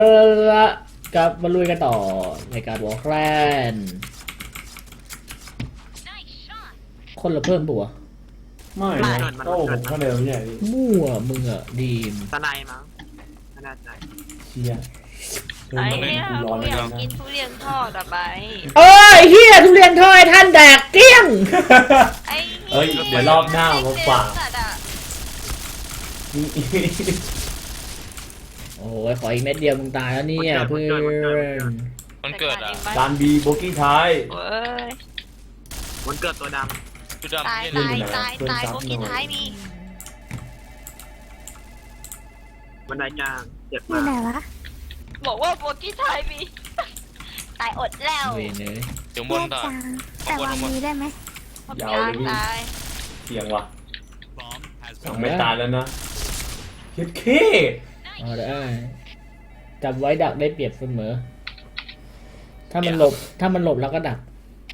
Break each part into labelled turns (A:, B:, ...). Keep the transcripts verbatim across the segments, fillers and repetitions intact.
A: เออละกลับมาลุยกันต่อในการวอลแครนคนละเพิ่มปัว
B: ไม่นะโต้ผมก็เดิมใหญ่ดิ
A: มั่วมึงอะดีม
C: ตะไนมั้งไม่แน่ใจ
B: เชียเชิญ
D: ไอ้
B: มาเล่น
D: เนี่ย
B: กูร้อน
D: กู
B: เลย
D: อยาก
B: นะ
D: กินทุเรียนทอดอะไป
A: เอ้ยเฮียทุเรียนทอดท่านแดกเกลี้ยง
D: ไอ้
B: เอ้ยเดี๋ยวรอบหน้ามาฝาก
D: สัตว์อะ
B: นี่
A: โอ้ยขออีกเม็ดเดียวมึงตายแล้วเนี่ยเพื่อน
E: มันเกิดอ่ะ
D: จั
B: ดานบีโบกี้ท้าย
D: เว้ย
C: วันเกิดตัวด
E: จุดดำ
D: ตาย
E: ที่
D: ตาย
E: ไหน
D: ตายตายพวกกินท้ายมี
C: ำบันไดกลางเจ็บ
F: อยู่
C: มาก
F: ไหนวะ
D: บอกว่าพวกกินท้ายมี ตายอดแล้ว
A: เวยเนย
E: อยู่บน
F: แย
E: ต่อก
F: จางแต่วันนี้ได้ไหม
D: พวกกลางตาย
B: เสียงว่ะสองไม่ตายแล้วนะคิดเค
A: เอาได้จับไว้ดักได้เปรียบเสมอถ้ามันหลบถ้ามันหลบแล้วก็ดัก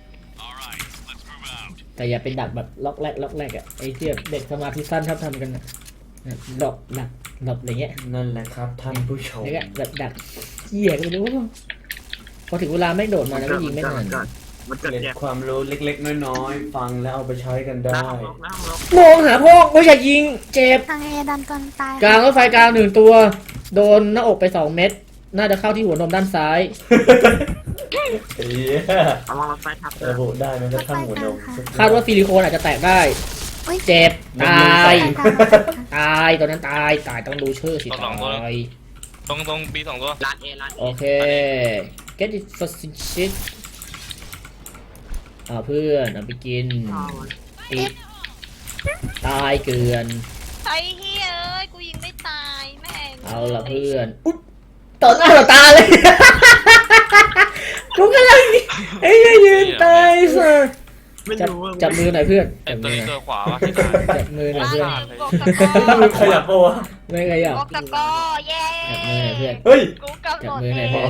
A: แต่อย่าเป็นดักแบบล็อกแรกล็อกแรกอะไอ้ที่เด็กสมาธิสั้นชอบทำกันนะหลบดักหลบอะไรเงี้ย
B: นั่นแหละครับท่านผู้ชม
A: นี่ก็แบบดักเหี้ยก็ไม่รู้พอถึงเวลาไม่โดดมาแล้วก็ยิงไม่ทัน
C: มันเกิด
B: เกร็ด
C: เจ็บ
B: ความรู้เล็กๆน้อยๆฟังแล้วเอาไปใช้กันได้
C: น้ำลกน้ำลก
A: มองหาพ่อไม่ใช่ยิงเจ็บ
F: ทางเอดันจนตาย
A: กลางรถไฟกลางหนึ่งตัว โดนหน้าอกไปสองเม็ดน่าจะเข้าที่หัวนมด้านซ้าย
B: เอ้ย
C: ระวังรถไฟทับเจอ
B: ระบุได้ไหมครับท่านหัวนม
A: คาดว่าซิลิโคนอาจจะแตกได้
F: อุ๊ย
A: เจ็บตาย
F: ไปกลางไปกลาง
A: ตายตอนนั้นตายตายต้องดูชื่อสิตาย
E: ตรงตรงปีสองตัว
C: ร้านเอร้านเอ
A: โอเค get it for shit เอาเพื่อนเอาไปกินติดตายเกลือน
D: ไอ้เฮ้ยเอ้ยกูยิงไม่ตายแม่ง
A: เอาละเพื่อนอุ๊ยต่อหน้าต่อตาเลย กูกำลังไอ้เหี้ยยืนตายสิ
C: ไม่
A: จับ
C: รู้ว่า
A: จับมือหน่อยเพื่อน
E: ไอ้
A: จับ
E: ตั
A: มื
E: ว
A: อห
E: นี้
A: น่อย
E: ตัวขวาวะที่ตาย
A: จับมือหน่อย
D: ว่า
A: เพื่อน
D: ลืมบอกตะกอ
B: มือขยับปะวะ
A: ไม่ขยับ
D: บอกตะกอเย้
A: จับมือหน่อยเพื่อน
B: เฮ้ย
D: กูกำห
A: จั
D: น
A: บ
D: ด
A: มือหน่อย
D: เอ
A: พ่อง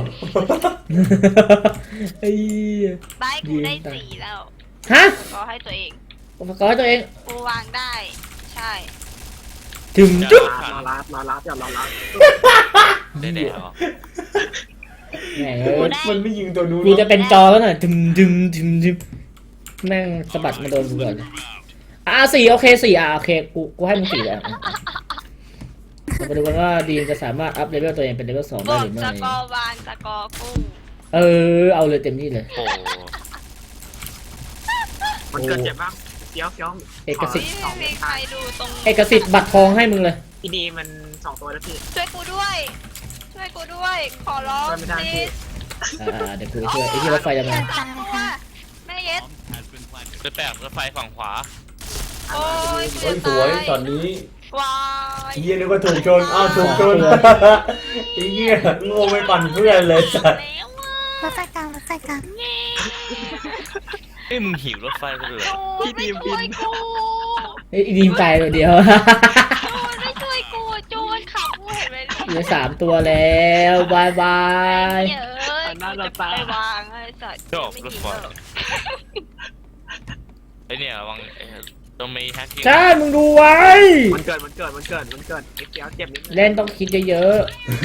A: ไอ้เหี้ย
D: บายกูได้สี่แล้ว
A: ฮะ
D: ก็ให้ตัวเอง
A: อุปกรณ์ตัวเอง
D: กูวางได้ ใช่
A: ถึงจุ๊บ
C: รอรับรอรับอย่ารอรับ
E: ได้แดดเหรอ
A: แม่งเอ้ย
B: มันไม่ยิงตัวนู้น
A: กูจะเป็นจอแล้วหน่อยดึมดึมดึมดึมแม่งสะบัดมาโดนกูก่อนอ่ะสี่โอเคสี่อ่ะโอเคกูกูให้มึงสี่แล้วเรามาดูกันว่าดีมจะสามารถอัพเลเวลตัวเองเป็นเลเวลสอง
D: บ
A: ได้
D: อก
A: หรือไม่
D: ตะกอวางตะกอกุ้ง
A: เออเอาเลยเต็มที่เลย
E: โอ้
C: มันเกิดเจ็บบ้างเกี้ยวเกี้ยว
A: เอกสิทธิ์
D: นี่ไม่มีใครดูตรง
A: เอกสิทธิ์บัตรทองให้มึงเลย
C: อีดีมันสองตัวแล้วพี่
D: ช่วยกูด้วย ช่วยกูด้วย ขอร้อง
C: ไม่ได้
D: please
A: อ่าเดี๋ยวกูไปช่วยไอ้ที่รถไฟจะมา
D: สามตัวแม่เย็ด
E: จะแตกรถไฟฝั่งขวา
D: โอ้ย
B: เฮ้ยสวยตอนนี้
D: วาย
B: เฮียนึกว่าถูกชนอ้าวถูกชนไอ้เฮียโง่ไม่ปั่นเพื่อนเลยสัตว์
D: แล้ว
F: รถไฟกลางรถไฟกลาง
E: เอ้ยมึงหิวรถไฟไปเลย
D: พี่ดีมบินกู
A: ไอ้ดีมตายตัวเดียว
D: จูนไม่ช่วยกูจูนขับกูเห็นไหม
A: เหลือสามตัวแล้วบายบาย
D: เนี่ยเอ้ยกูจะไปวางไอ้สัตว์
E: ชอบรถไฟ
D: ไม่ดีหรอก
E: ไอ้เนี่ยระวังต้องมีแฮกกิ้ง
A: ใช่มึงดูไว้
C: มันเกิดมันเกิดมันเกิดมันเกิดไอ้เกี้ยวเจ็บนิดนึง
A: เล่นต้องคิดเยอะ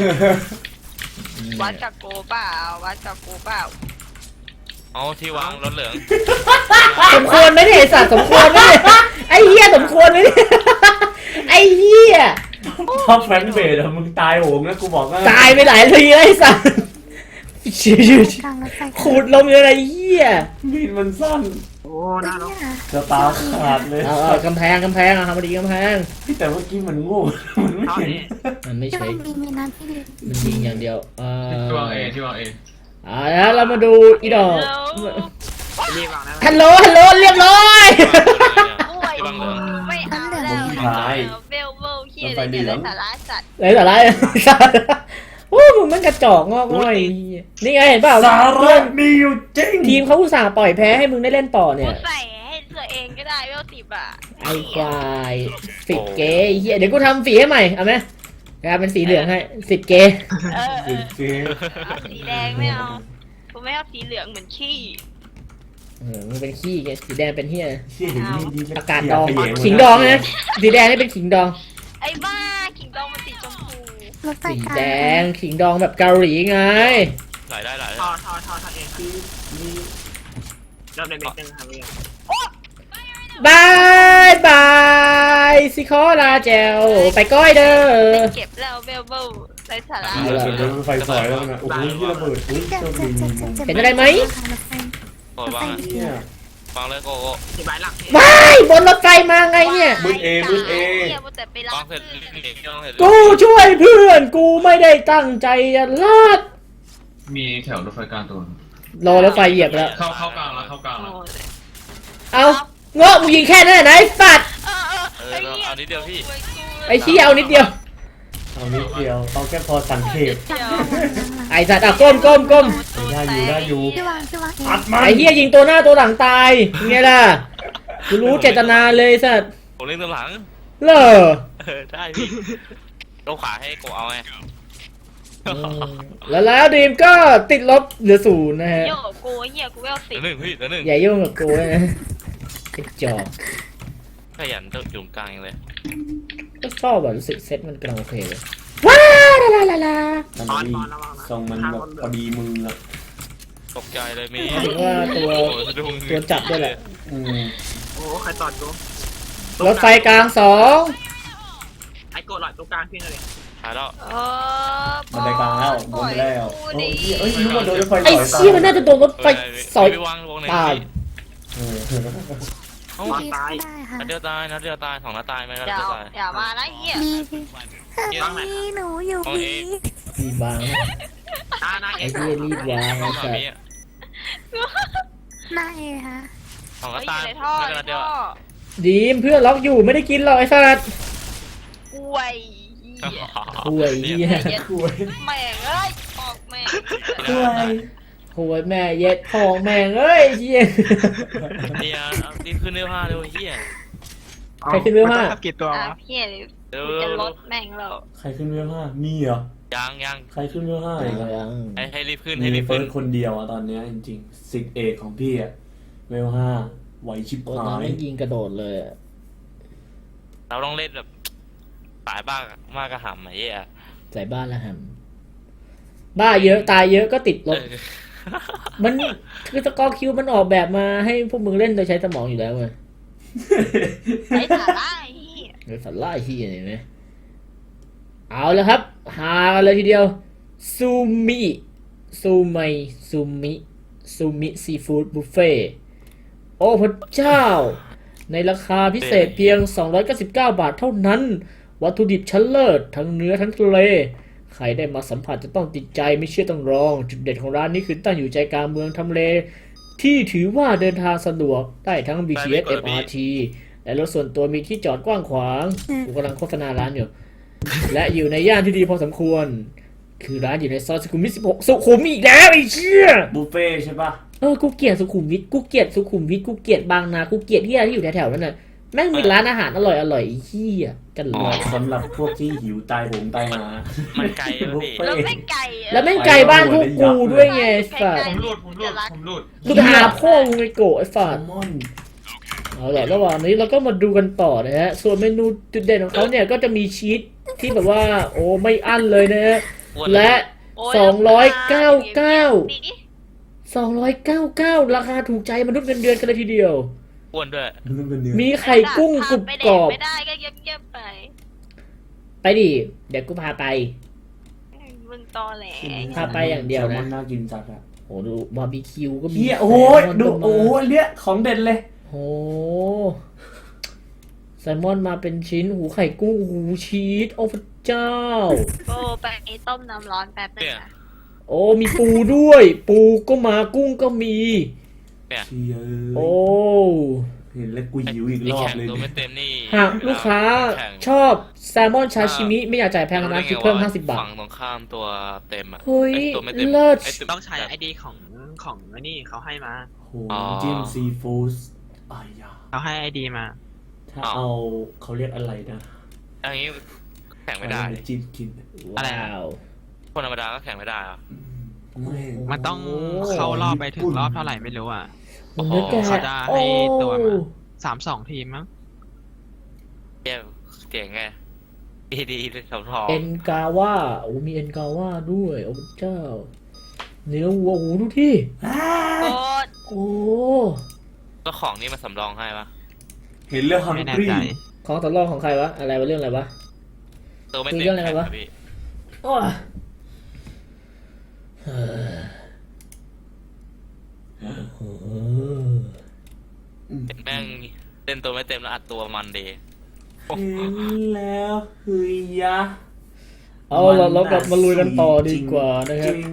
D: วัดกับกูเปล่าวัดกับกูเปล่า
E: เอาที่วางรถเหลือง
A: ๆสมควรไหมเนี่ยไอ้สัตว์สมควรไหมเนี่ยไอ้เหี้ยสมควรไหมเนี่ยไอ้เหี้ย
B: ถ้าแฟนเบสอะมึงตายโหงนะกูบอกว่า
A: ตายไปหลายทีแล้วไอ้สัตว์ชิว
F: กลางรถไฟ
A: ๆขูดลมอยู่อะไรเหี้ย
B: มีดมันสั้น
C: โอ้น่ารัก
F: เนี่ย
B: กระตาขาดเลย
A: เอาเอากำแพงกำแพงอะทำมาดีกำแพง
B: แต่เมื่อกี้มันโง่มันไม่
C: เท่า
B: เห็น
C: นี้
A: มันไม่
F: ที่
A: ใช่
F: มันมีมีน้ำที่ดี
A: มันยิงอย่างเดียวเออ
G: ที่วางเอที่วางเอ
A: อ่าแล้วเรามาดูอีดอก
C: รีบวางนะ
A: ฮัลโหลฮัลโหลเรียบร้อย
D: ป่วย
E: ที่วางเหลือง
D: ไม่เอาแล้วเบลเบลขี้อะไรเนี่ยไรสาระสัตว์
A: ไรแต่ไรสัตว์โอ้มึงมันกระจอกงอกง่อยนี่ไงเห็นเปล่า
B: สา
A: เพื่
B: ระ
A: อน
B: มีอยู่จริง
A: ทีมเขาอุตส่าห์ปล่อยแพ้ให้มึงได้เล่นต่อเนี่
D: กู
A: ย
D: ใส่ให้ตัวเองก็ได้เวลสิบอ่ะ
A: ไอ้ควายสิบเกย์ไอ้เหี้ยเดี๋ยวกูทำสีให้ใหม่เอาไหมกลายเป็นสีเหลืองให้สิบเกย์
D: เออเอ
B: จริ
D: อง
B: จริง
D: เอาสีแดงไม่เอากูไม่เอาสีเหลืองเหมือนขี้
A: เออมึงเป็นขี้ไงสีแดงเป็นเหี้ย
B: เชี่ยเห็นมีดี
A: อากาศดองขิงดองนะสีแดงนี่เป็นขิงดอง
D: ไอ้บ้าขิงดองมันสีชมพู
F: รถไฟ
A: สี
F: กลาง
A: แดงขิงดองแบบเกาหลีไง
E: ไหลได้ไหล
C: ท
E: ได้
C: อทอทอทอเองเริ่มในเม็ดนึงครับพี่
A: บายบายสิขอลาแจวไปก้อยเด้อ
D: ไปเก็บแล้วเบลเบลไรสาระ
B: เดี๋ยวรถไฟสอยแล้วนะโอ้โหที่ระเบิดอุ้ย
F: เจ็บ
B: โชค
F: เจ็
B: ดี
F: บ
B: มี
F: เจ็บ
B: มุม
F: เจ็บ
A: เห็นอะไรไหม
F: รถไฟ
E: โอ้ยวางอะ
B: เนี่ย
E: วางเลยโกโก้
C: ที่บ้านหลังพี่
A: ว้ายบนรถไฟมาไงเนี่ย
B: มืดเอมืดเอ
D: เนี่ยมัวแต่ไปรั
E: วา
D: บ
E: งเสร็จ
D: ซื้อ
E: รีบหนีพี่วางเสร็จ
A: กูช่วยเพื่อนกูไม่ได้ตั้งใจจะลาด
G: มีแถวรถไฟกลางตัว
A: รอรถไฟเหยียบแล้ว
G: เข้าเข้ากลางแล้วเข้ากลาง
D: โอ้
G: แล้ว
D: ย
A: เอาเงาะมึงยิงแค่นั้นนะไอ้สัตว์
D: เออเออ
E: เออเราเอานิดเดียวพี่
A: ไอ้ชี้ยเอานิดเดียว
B: เอานิดเดียวเอาแค่พอสังเกต
D: เดี๋ยว
A: ไอ้สัตว์อ่ะก้มก้มก้ม
B: ได้อยู่ได้อยู่
F: พี่วางพี่วางเอง
B: อัดมัน
A: ไอ้เฮียยิงตัวหน้าตัวหลังตายไงล่ะกูรู้เจตนาเลยสัตว์
E: ผมเล่นตัวหลัง
A: เหรอ
E: เออได้พี่โลขวาให้โกเอาไง
A: อืมแล้วแล้วดีมก็ติดลบเหลือศูนย์นะฮะ
D: โยกูเหี้ยกูเวลสิ
E: เดี๋ยวหนึ่งพี่เดี๋ยวหนึ่ง
A: อย่ายุ่งกับกูนะไอ้จอก
E: ขยันต้องอยู่ตรงกลางเลย
A: ก็ชอบแบบรู้สึกเซ็ตมันกำลังโอเคเลยว้าวลาลาลา
B: มัน
C: ตอน
B: ดี
C: ตอนระวังนะ
B: ทรงมันแบบพอดีมืออะ
E: ตกใจเลยมี
A: ถึงว่าตัว
E: โอ้สะดุ้ง
A: ตัวจับด้วยแหละ
B: อืม
C: โอ้ใครตอดกู
A: รถไฟกลางสอง
C: ไอ้โกดหลอดตัวกลางพี่เลย
E: หายแล้ว
D: เออ
B: มันได้กลางแล้วบนไปแล้ว
D: กู
B: โอ้
D: ดิ
B: ยเอ้ยนึกว่าโดนรถไฟ
A: ไอ้
B: สอยตา
A: เชี่ยมันน่าจะโดนรถไฟสอย
E: ไปวางวงไหน
A: ตาย
B: เออ
E: เอ้า
F: ดีได้ค่ะ
E: นัดเดียวตายนัดเดียวตายสองนัดตายไหมนัด
D: อย่า
E: เดียวตาย
D: อย่ามานะเหี้ย
F: ดีดีเฮ้ยหนูอยู่ดี
A: รีบวาง
C: ตาหน้าเอ
A: ไอ้
C: ง
A: เหี้ยรีบวาง
E: สอ
A: ไอ้
E: ง
A: สัต
E: มี
A: ว์
E: อะ
F: หน้าเอค่ะ
E: สองนั
D: เฮ้
E: ด
D: ยอ
E: ตาย
D: ยู่ในท่อ
E: นัด
D: ใน
E: เดียว
D: ท่อ
A: ดีมเพื่อนล็อกอยู่ไม่ได้กินหรอกไอ้สัตว์
D: อวยเหี้ย
A: ห่วยเหี้ย
B: คุย
D: แม่งเอ้ยออกแม่ง
B: คุย
A: ห่วยแม่เย็ดทองแม่งเอ้ยเหี้ย
E: เนี่ยรีบขึ้นเนื้อผ้าเร็วเฮีย
A: ใครขึ้นเรือมา
C: ทับกี่ตัว
D: อ่ะ
C: วะ
D: พี่เลย
E: เร็ว
D: กูจะลดแม่งแล้ว
B: ใครขึ้นเรือห้ามีเหรอ
E: ยังยัง
B: ใครขึ้นเรือห้าอีกอะ
A: ยัง
E: ให้ให้รีบขึ้น
B: มี
E: ให้รีบ
B: เฟิ
E: ขึ้
B: ร์
E: น
B: สคนเดียวอะตอนเนี้ยจริงๆสิกเอกของพี่อะเวลห้าไหวชิบ
A: โอ้
B: หา
A: น้ำ
B: ย
A: ไม่ยิงกระโดดเลยอะ
E: เราต้องเล่นแบบสายบ้างมากกระหำไอ้เหี้ย
A: ใส่บ้านละหำบ้าเยอะตายเยอะก็ติดลบ
E: เออ
A: มันคือสกอร์คิวมันออกแบบมาให้พวกมึงเล่นโดยใช้สมองอยู่แล้วเว้ย
D: ไอ้สาระไอ้เหี้ย
A: เดี๋ยวสัตว์ไล่ที่เห็นไหมเอาแล้วครับหากันเลยทีเดียวซูมิซูไมซูมิซูมิซีฟู้ดบุฟเฟ่โอ้พระเจ้า ในราคาพิเศษเพียง สองร้อยเก้าสิบเก้า บาทเท่านั้น วัตถุดิบชั้นเลิศทั้งเนื้อทั้งทะเล ใครได้มาสัมผัสจะต้องติดใจไม่เชื่อต้องลอง จุดเด่นของร้านนี้คือตั้งอยู่ใจกลางเมืองทำเล ที่ถือว่าเดินทางสะดวกได้ทั้ง บี ที เอส เอ็ม อาร์ ที และรถส่วนตัวมีที่จอดกว้างขวางกูกำลังโฆษณาร้านอยู่ และอยู่ในย่านที่ดีพอสมควร คือร้านอยู่ในซอยสุขุมวิทสิบหกสุขุมอีกแล้วไอ้เชี่ย
B: บุฟเฟ่ใช่ปะ
A: เออกูเกลียดสุขุมวิทกูเกลียดสุขุมวิทกูเกลียดบางนากูเกลียดที่อะไรที่อยู่แถวๆนั้นน่ะแม่งมีร้านอาหารอร่อยอร่อยๆไอ้เหี้ยกันเลย
B: สำหรับพวกที่หิวตายผมตายหา
E: มันไกลอะพี่
D: แล้วแม่งไก่อะ
A: แล้วแม่งไกลบ้านพวกกูด้วยไงไอ้สัส
G: ผมหลุดผมหลุดผมหลุด
A: กูจะหาพ่อมึงไอ้โกะไอ้
B: แซ
A: สัส
B: ลมอน
A: เอาละระหว่างนี้เราก็มาดูกันต่อนะฮะส่วนเมนูจุดเด่นของเขาเนี่ยก็จะมีชีสที่แบบว่าโอ้ไม่อั้นเลยนะฮะ
E: อ้วน
A: และ
D: โอ้ย
A: สองร้อยเก้าเก้า
D: ดีดิ
A: สองร้อยเก้าสิบเก้าราคาถูกใจมนุษย์เงินเดือนกันเลยทีเดียว
E: อ้วนด้วย
B: นึกเป็นเนื้อ
A: มีไข่กุ้งกรุบกรอบ
D: ไม่ได้ก็เย็บๆไป
A: ไปดิเดี๋ยวกูพาไป
D: มึงตอแหล
A: พาไปอย่างเดียวนะ
B: แซลมอนน่ากินจัดอะ
A: โอ้ดูบาร์บีคิวก็มี
B: เฮียโอ้โห
A: แซลมอน
B: ดู
A: ก็มา
B: โอ้โหอันเนี้ยของเด็ดเลย
A: โอ้แซลมอนมาเป็นชิ้นหูไข่กุ้งหูชีสโอ้พระเจ้า
D: โอ้ไปต้มน้ำร้อนแป๊บนึงนะ
A: โอ้มีปูด้วย ปูก็มากุ้งก็มี
B: เชีย
A: โอ้
B: เห็นแล้วกูหิวอีก
E: ไอ้
B: รอบ
E: แข่ง
B: เลย
E: ตัว
B: เนี่
E: ไม่
B: ย
E: เต็มนี่
A: หากลูกค้า
E: แข่ง
A: ชอบแซลมอนชาชิมิไม่อยากจ่ายแพงนะคิดเพิ่มห้าสิบบาท
E: ฝั่งตรงข้ามตัวเต็มอะ
A: เฮ้ย
E: ไอ้ตัวไม่เต็ม
A: เลิศ
E: ไตัว
C: ต้องใช้ไอดีของของไอ้นี่เขาให้มา
B: โอ้โหจิ้มซีฟู้ดอายา
C: เขาให้ไอดีมา
B: ถ้าเอาเขาเรียกอะไรนะ
E: อันนี้แข่งไม่ได้
B: เอาปจิ้มกิน
C: อะไร
A: ว้า
C: นะ
A: ว
E: คนธรรมดาก็แข่งไม่ได้อะ
B: แม่ง
C: มันต้องเข้ารอบไปถึงรอบเท่าไหร่ไม่รู้อ่ะ
A: โอ้โหแก
C: เขาจะให้ตัวมา
A: โอ้
C: สามสองทีมมั้ง
E: เจ๋งเจ๋งไงดีดีเลยสำรอง
A: เอ็นกาว่าโอ้มีเอ็นกาว่าด้วยโอ้พระเจ้าเนื้อวัวโอ้ดูที่
D: โคตร
A: โอ้
E: แล้วของนี่มาสำรองให้ปะ
B: เห็นเรื่องฮัง
C: ไม่แน่
B: กรี
C: ใจ
A: ของตกลงของใครวะอะไรวะเรื่องอะไรวะ
E: ตัวไม่
A: คุย
E: เต็ม
A: เรื่องอะไรวะ
E: พี่
A: โอ้ยเฮ้ยโอ้โห
E: แม่งเล่นตัวไม่เต็มแล้วอัดตัวมันเดย์
B: เห็นแล้วเฮ้ยยะ
A: เอาเราเรากลับมาลุยกันต่อดีกว่านะครับ
B: จง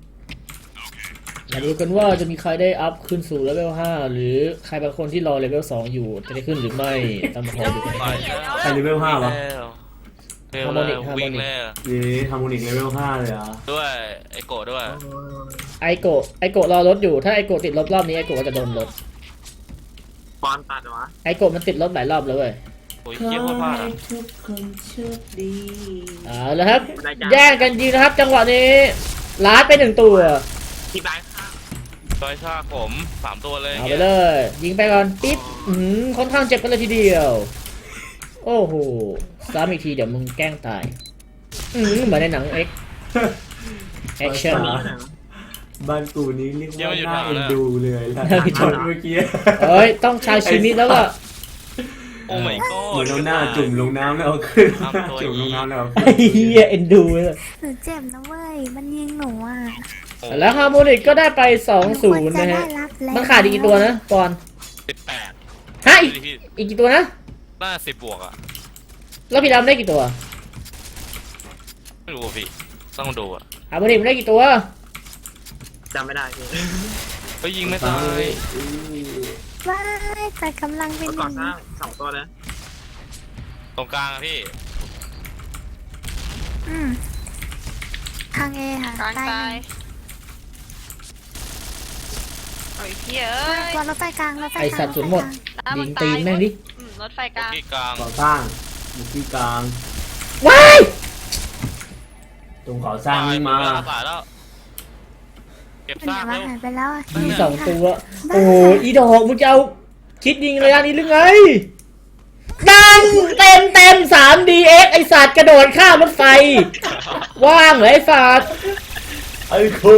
A: มาดูกันว่าจะมีใครได้อัพขึ้นสู่เลเวลห้าหรือใครบางคนที่รอเลเวลสองอยู่จะได้ขึ้นหรือไม่ตามมาขอดูกัน
E: ไป
B: ใครเลเวลห้าวะ
E: เร็ว
A: ฮาร์โมนิก
E: เร็ว
A: ฮาร์โมนิก
E: วิ่งเลย
B: นี่ทำมูนิกเลเวลห้าเลยเหรอ่ะ
E: ด้วยไอโกะด้วย
A: ไอโกะไอโกะรอรถอยู่ถ้าไอโกะติดรถรอบนี้ไอโกะก็จะโดนรถ
C: ปอนตัดวะ
A: ไอโกะมันติดรถหลายรอบแล้วเว้ย
E: โอ้ยเยี่ยมโคตรพลาดอะ
B: ทุกคนโชคดี
A: เอาละครับ แย่งกันยิงนะครับ จังหวะนี้ลาดไปหนึ่งตัว
C: ที่บ้านข้าง
E: ซอยชาผมสามตัวเลย
A: เอาไปเลย ยิงไปก่อนปิ๊บอืมค่อนข้างเจ็บกันเลยทีเดียว โอ้โหซ้ำอีกทีเดี๋ยวมึงแกล้งตาย อืมเหมือนในหนังเอ็กแอคชั่น
B: บ้านกูนี้เรียกว่าน่าเอ็นดูเลยล่ะ
A: น่าเอ็นดู
B: เมื่อกี้
A: เอ้ย ต้องชาชิมิแล้วก็
E: โอ้ my
B: เหมือน
E: god
B: เอาหน้าจุ่มลงน้ำแล้วเอาขึ้น
E: ทำตัว
B: จุ่มลงน้ำแล้วเอา
A: ไอ้
B: ขึ้น
A: เหี้ยเอ็นดูเลย
F: หนูเจ็บนะเว้ย มันยิงหนูอ่ะ
A: แล้วฮาร์โมนิกก็ได้ไปสองศูนย์
F: ห
A: นะ
F: ควรจ
A: ฮะ
F: ได้รับแล้ว
A: มันขาดอีกกี่ตัวนะปอน
E: สิบแปด
A: ฮะอีกอีกกี่ตัวนะ
E: น่าสิบบวกอ่ะ
A: แล้วพี่ดำได้กี่ตัว
E: ไม่รู้อะพี่ต้องดูอ่ะ
A: ฮาร์โมนิกมันได้กี่ตัว
C: จำไม่ได้พี่
E: เฮ้ยยิงไม่ตาย
F: ว้ายแต่กำลังเป็น
C: เมื่อ
F: อ
C: ก่อน
F: ย่าง
C: สร้า
F: นี้
C: งสองตัวเลย
E: ตรงกลางอะพี่
F: อืมทางเอค่ะ
D: กลาง
F: ใต้
D: ตายโอ้ยพี่เอ้
F: ไม่
D: ย
F: กลัวรถไฟกลางรถไฟ
A: ไอก
F: ลาง
A: สัตว์ศูนย์หมด
D: น้ำ
A: ยิ
D: มัน
A: ง
D: ตา
A: ตี
D: ย
A: นแม่งดิ
D: อืมรถไฟกลาง
E: ที่กลาง
B: ก่อสร้างอยู่ที่กลาง
A: ว้าย
B: ตรงก่อสร้างนี่มา
E: ตายแล้วตายแล้วเก็บ
F: เป็น
E: ซา
F: ไง
E: ก
F: วะ
E: เร็ว
F: หายไปแล้วอ่ะ
A: มีสองตัว โอ้ยอีดอกมึงจะเอาคิดยิงระยะนี้หรือไง ดังเต็มเต็มสามดีเอ็กไอสัตว์กระโดดข้ามรถไฟ ว่างเหรอไอสัตว์
B: ไอ้ครู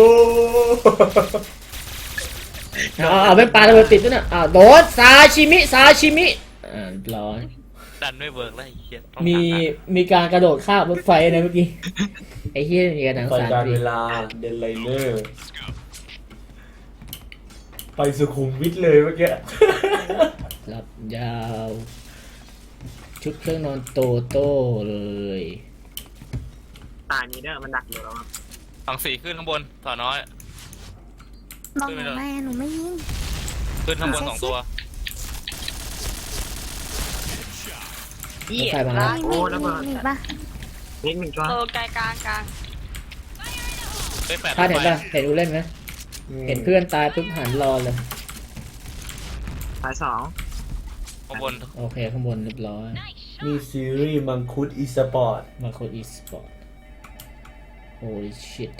A: เอาเอาเป็นปลาระเบิดติดด้วยนะอ่าโดดซาชิมิซาชิมิอ่าเรียบร้อย
E: ดันไม่เวิร์กแล้วไอ้เหี้ยต้อง
A: มี
E: หา
A: มีการกระโดดข้ามรถไฟนะเมื่อกี้ ไอ้เฮียมีการหนัง
B: ก่อน
A: สาร
B: การ
A: ดี
B: เวลาเดนไลเนอร์ไปสุขุมวิทเลยเมื่อกี้
A: รับยาว ชุดเครื่องนอนโตโต้เลย
C: ตายนี้เด้อมันดักอยู่แล้วครับ
E: ฝั่งสี่ขึ้นข้างบนต่อน้อย
F: บอกหนูไม่หนูไม่ยิง
E: ขึ้นข้างบนสองตัว
A: รถไฟมาแล้ว
F: มีมีมีมีปะ
C: นิดหนึ่งตัว
D: โตไกลกลางกลาง
E: เฮ้ยแปด
A: พลาดเห็นป่ะเห็นกูเล่นไหมเห็นเพื่อนตายปุ๊บหันรอเลย
C: สายสอง
E: ข้างบน
A: โอเคข้างบนเรียบร้อย
B: มีซีรีส์มังคุดอีสปอร์ต
A: มาโคอีสปอร์ต holy shit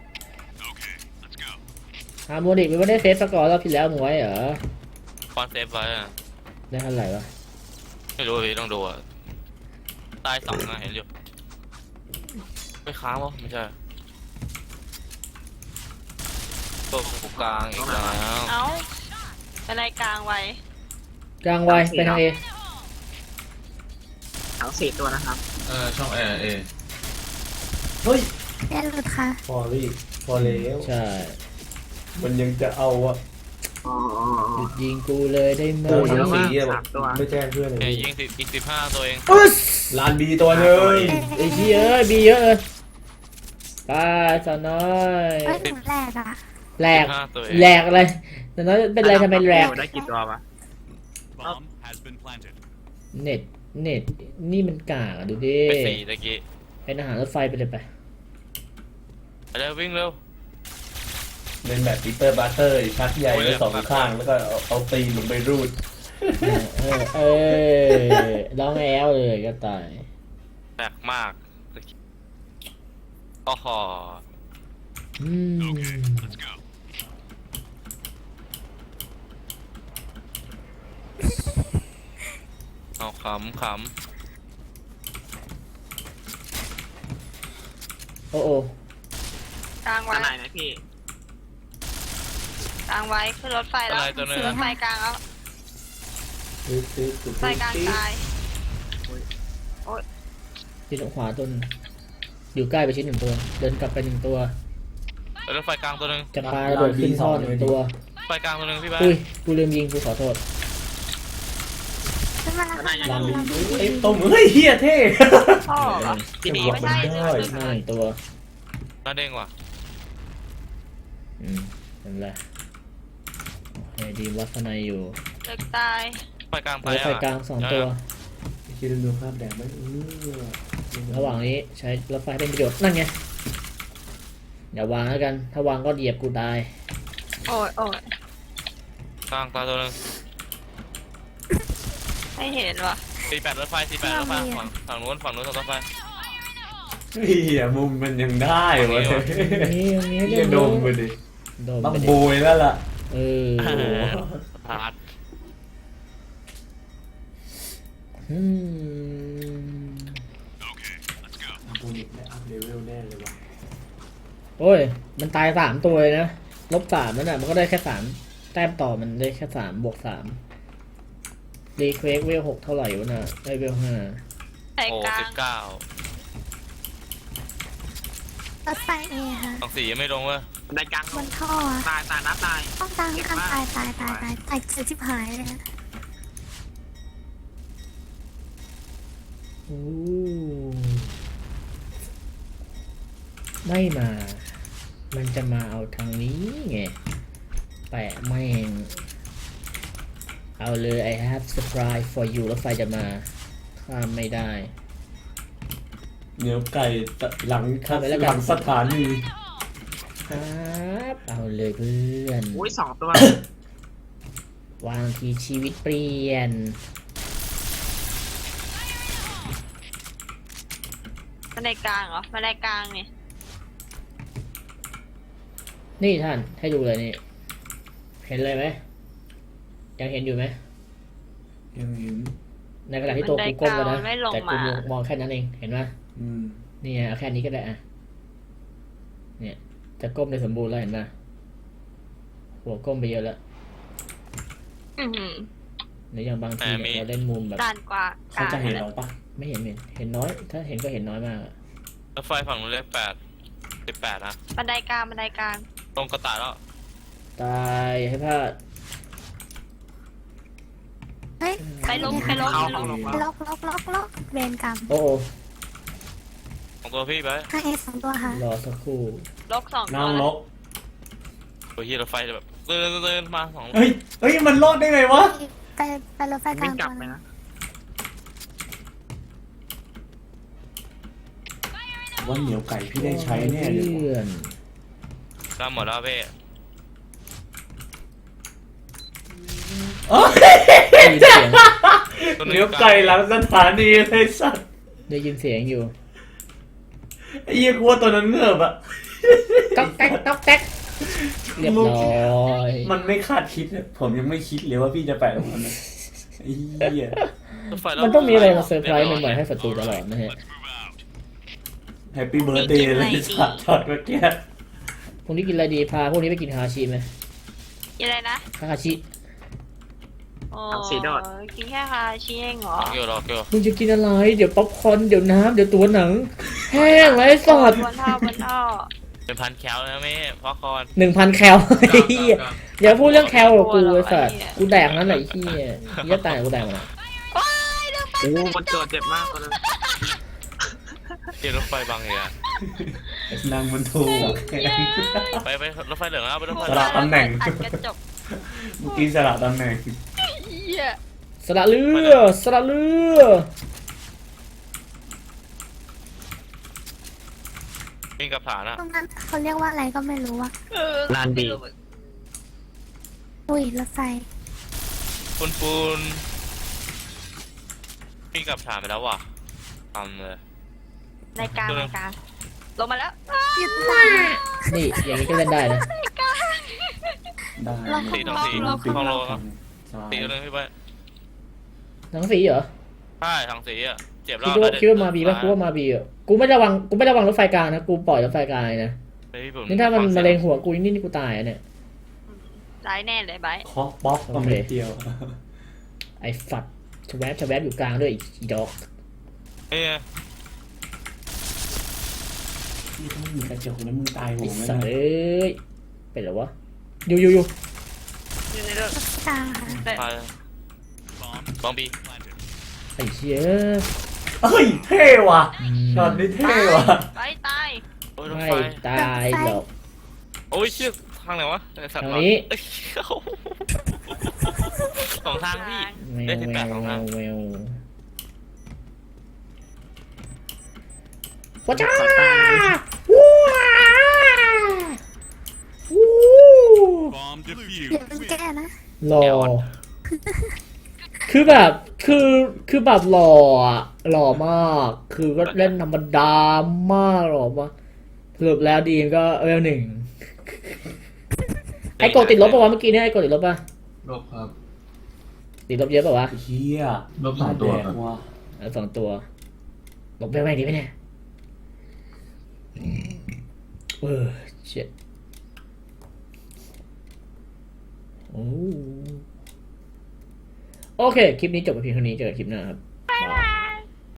A: ฮาร์โมนิกมันไม่ได้เซฟสกอร์รอบที่แล้วมึงไว้เหรอ
E: คอนเซปต์ไว้อะ
A: ได้เท่าไหร่วะ
E: ไม่รู้พี่ต้องดูอ่ะตายสองนะเห็นอยู่ไม่ค้างวะไม่ใช่ตัวกูกลางอีกแล้ว
D: เอ้าอะไรกลางไว้
A: กลางไวไปทางเอ
C: ทั้งสี่ตัวนะครับ
G: เออช่องแอร์เอ
B: เฮ้ย
F: แย่หลุดค่ะ
B: พอรี่พอแล้ว
A: ใช่
B: มันยังจะเอาอะ
C: อ๋อ
A: หยุดยิงกูเลยได้ไหม
B: โอ้ยทั้งสีอะ
C: สามตัว
B: ไม่แจ้งเพื่อนเลย
E: เอ้ยยิงสิบอีกสิบห้าตัวเอง
A: อุ๊ส
B: ลานบีตัวเลย
A: ไอ้เหี้ยเอ้ยบีเยอะเลยไปสาวน้อย
F: เอ้ยหนูแหลกอ่ะ
A: แหลก
E: สิบห้าตัวเอง
A: แหลกอะไรสาวน้อยเป็นไรทำไมแหลก
C: ได้กี่ตัววะ
H: Bomb has been planted.
A: เน็ตเน็ตนี่มันกากอะดูดิ
E: ไปสี่ตะกี้
A: เป็นอาหารรถไฟไปเลยไป
E: ไปเร็ววิ่งเร็ว
B: เป็นแบบปีเตอร์บัตเตอร์ชักใหญ่ไว้สองข้างแล้วก็เอาเอาตีนลงไปรูด
A: เออเออร้องแอลเลยก็ตาย
E: แปลกมากตะกี้โอ้โห
A: อืม
H: Let's go.
E: เอาขำข
A: โอ้โอ้
D: กลาง
C: ตา
D: ไว้
C: ไหนนะพี่
D: กลางไว้ขึ้นรถไฟแล้ว
E: อะไรตัวนึง
D: ขึ้นรถไฟกลางแล้ว
B: ตึ๊ดตึ๊ดตึ๊ด
D: ไฟกลางตาย
A: ที่ตรงขวาต้นอยู่ใกล้ไปชิ้นหนึ่งตัว เดินกลับไปหนึ่งตัว
E: ไปรถไฟกลางตัวนึง
A: จะปาระเบิดขึ้นท่อหนึ่งตัว
E: ไฟกลางตัวนึงพี่บ้า
A: อุ้ยกูลืมยิงกูขอโทษ
F: ขึ้นมาแล้วค่ะ
B: ลา
F: ล
B: ลี
F: องดู
B: เอ้ยต้มเฮ้ยเฮียเท่
D: พ่อเหรอ
C: พี่ดี
D: ไม่ใช่
B: ได้
D: เดือด
A: หน้าหนึ่งตัว
E: น่าเด้งว่ะ
A: อืมนั่นแหละโอเคดีวัฒนัยอยู่
D: เด็กตาย
E: ไฟกลางไป
A: รถไฟกลางสองตัว
B: คิดดูภาพแดงไหมเออ
A: ระหว่างนี้ใช้รถไฟเป็นประโยชน์นั่นไงอย่าวางแล้วกัน ถ้าวางก็เหยียบกูตาย
D: โอ้ยโอ้ย
E: กลางตาตัวนึง
D: ไม่เห็นว่ะ
E: สี่แปดรถไฟสี่แปดรถไฟฝั่งฝั่งนู้นฝั่งนู้นรถไฟ
B: เฮียมุมมันยังได้เว้ย
A: นี่ตรงนี้
B: เฮียโดมไปดิ
A: โดม
B: ต้อง
A: ไปดิ
B: โบยแล้วล่ะ
A: เออ
E: พาร์ท
A: อืม
B: กูนิกได้อัพเลเวลแน่เลยว่ะ
A: โอ้ย มันตายสามตัวเลยนะ ลบสามนั่นน่ะ มันก็ได้แค่สามแต้มต่อมันได้แค่สามบวกสามรีเควสเวลหกเท่าไหร่วะน่ะได้เวลห้า
D: ไฟ
E: โอ้
D: กลา
E: สิ
D: ง
E: บเก้าร
F: ถไฟเอค่ะ
E: ฝั่งสี่ยังไม่ลงเว้ย
C: ในกลาง
F: บนท่ออะ
C: ตายตายนะตาย
F: ต้องกลางกลางตายตายตายตายตายเสียชิบหายเลยอะ
A: โอ้ไม่มา มันจะมาเอาทางนี้ไง แปะแม่ง เอาเลย I have surprise for you แล้วไฟจะมา ข้ามไม่ได้
B: เนื้อไก่หลัง
A: เข้าไปแล้วกัน
B: หลังสถานี
A: ครับเอาเลยเพื่อน
C: อุ้ยสองตัว
A: วางทีชีวิตเปลี่ยน
D: มาในกลางเหรอมาในกลางนี่
A: นี่ท่านให้ดูเลยนี่ เห็นเลยไหม ยังเห็นอยู่ไหม
B: ยังเห็น
A: ในขณะที่ตัวกูก้มแล้วนะ
D: ไม่ลง
A: แต่กู
D: มา
A: มองแค่นั้นเอง เห็นไหม
B: อืม
A: นี่ไงเอาแค่นี้ก็ได้อะเนี่ย จะก้มได้สมบูรณ์แล้วเห็นไหมหัวก้มไปเยอะแล้ว
D: อือหือ
A: หรืออย่างบางทีเนี่ยเราเล่นมุมแบบ
D: ด้านกว่า
B: เขาจะเห็นเราปะ
A: ไม่เห็นเห็นเห็นน้อย ถ้าเห็นก็เห็นน้อยมากอะ
E: รถไฟฝั่งนู้นเลขแปดสิบแปดนะ
D: บันไดกลางบันไดกลาง
E: ตรงกระต่ายแล้ว
A: ตายให้พลาด
F: เฮ้ย
D: ไปลงไปลง
C: เข้า
D: ไปล
C: ห้อง
D: ง
C: ลง
F: ล็อกล็อกล็อกล็อกเวรกรรม
A: โอ้โอ้
E: ของตัวพี่ไป
F: ข้างเอสองตัวค่ะ
A: รอสักครู่
D: ลกสอง
B: นั่
D: ตั
B: ง
D: ว
B: ลก
E: ตัวที่รถไฟจะแบบเดินเดินมาสอง
B: เฮ้ย เฮ้ย มันรอดได้ไงวะ
F: ไปไปรถไฟก
C: วิ่
F: ลาง ง
C: กลั
F: ตั
C: บ
F: ว
C: ไป
F: นึง
C: นะ
B: ว่าเหนียวไก่พี่ได้ใช้แน่เลย
A: เพื่อน
E: ตามหมดแล้วเว้ย
B: โอ้ย
A: ได้ยินเสียง
E: ตัว
B: เหนียวไก่หลังสถานีเลยสัตว์
A: ได้ยินเสียงอยู่
B: ไอ้เหี้ยกลัวตัวนั้นเงือบอะ
A: ต๊อกแต๊กต๊อกแต๊กเรียบร้อย
B: มันไม่คาดคิดอะผมยังไม่คิดเลยว่าพี่จะแปะตรงนั้นนะไอ้เหี้ย
E: รถไฟแล้ว
A: มันต้องมีอะไรมาเซอร์ไพรส์ใหม่ๆให้ศัตรูตลอดนะฮะ
B: แฮปปี้เบิร์ดเดย์เลยสัตว์ช็อตเมื่อกี้
A: พรุ่งนี้กินอะไรดีพาพรุ่งนี้ไปกินฮาชิไหม
D: กินอะไรนะ
A: ฮาชิ
D: โอ้กินแค่คาชิเองเหรอ
E: เกี่ยวรอเกี่ยว
A: มึงจะกินอะไร เดี๋ยวป๊อปคอร์นเดี๋ยวน้ำเดี๋ยวตัวหนัง แห้งไรสอด
D: บนท่อบนท่อ
E: เป็นพันแคลนะแม่พ่อคอน
A: หนึ่งพันแคลไอ้เหี้ยอย่าพูดเรื่องแคลกับกูไอ้สัสกูแดกนั้นแหละไอ้เหี้ยเหี้ยตายกูแดกมัน
D: ว้ายเรื่องไป
C: โอ้คนโจดเจ็บมากคนนึง
E: เกี่ยวรถไฟบางอย่าง
B: นางมันถูก
E: ไปไปรถไฟเหลืองแล้วไปรถไฟ
B: สลับตำแหน่ง
D: อัดกระจก
B: เมื่อกี้สลับตำแหน่ง
D: เหี้ย
A: สละเรือสละเรือ
E: วิ่งกับฐานอะ
F: ตรงนั้นเขาเรียกว่าอะไรก็ไม่รู้อะ
D: เออ
C: ลานบี
F: อุ้ยรถไฟ
E: ปูนปูนวิ่งกับฐานไปแล้วว่ะทำเลย
D: ในกลางในกลางลงมาแล้ว
F: หยุดได้
A: นี่อย่างนี้ก็เล่นได้นะ
D: ในกลาง
B: ได้
E: สีต้องสี
D: เรา
E: ห้องโลครับ
B: สบาย
E: สีตัวนึงพี่ไป
A: หนังสีเหรอ
E: ใช่ทางสีอะเจ็บแล้
A: คิ
E: ว
A: ดว่าคิดว่ามาบีป่ะกูว่ามาบีอ่ะกูไม่ระวังกูไม่ระวังรถไฟกลางนะกูปล่อยรถไฟกลางเลยนะ
E: เฮ้ยผม
A: นี่ถ้ามัน
E: ฟังสี
A: มะ
E: ยง
A: เร็งหัวกูนี่นี่กูตายอะเนี่ย
D: ร้ายแน่เลยไบร์ท
B: เคาะป๊อกก็ไม่เดียว
A: ไอ้ฝัดชะแวบชะแวบอยู่กลางด้วยอีดอก
E: เฮ้ย
B: นี่ถ้าไม่มีกระจกแล้วมึงตายโห
A: ไอ้
B: งแน่
A: สัตว์เอ้ยเป็นเหรอวะอยู่อยู่อยู่
D: อยู่ในรถ
F: ตา
D: แต่
E: ตาย
H: Bomb
E: บองบี
H: planted.
A: ไอ้เชี่ย
B: เฮ้ยเท่ว่ะช็อตนี้เท่ว่ะ
D: ไบร์ทตาย
E: โอ้ยรถ
A: ไม่
E: ไฟ
A: ตายหรอก
E: โอ้ยเชี่ยทางไหนวะไอ้สัตว์
A: ทาง
E: หลอด
A: นี้
E: เอ้ยสองทางพี่
A: แม
E: ได้
A: ว
E: สิบ
A: แม
E: แปด
A: ว
E: สอง
A: แม
E: ทาง
A: วแมวว้าจ้าวู้วู้
H: Bomb
F: เดี๋ยว
H: defused.
F: มันแก้นะ
A: หล่อคือแบบคือคือแบบหล่ออะหล่อมาก คือก็เล่นธรรมดามากหล่อมากสรุปแล้วดีมก็เวลหนึ่งไอ้กดติดลบป่าวะเมื่อกี้เนี่ยไอ้กดติดลบป่ะ
G: ลบครับ
A: ติดลบเยอะป่าวะ
B: เฮีย
G: ลบสองตัว
B: แด
G: ครับ
B: กว่ะ
A: เอาสองตัวลบไปไหมดีไหมเนี่ยเออเจ็ดโอ้โอเค คลิปนี้จบไปเพียงเท่านี้เจอกันคลิปหน้าครับ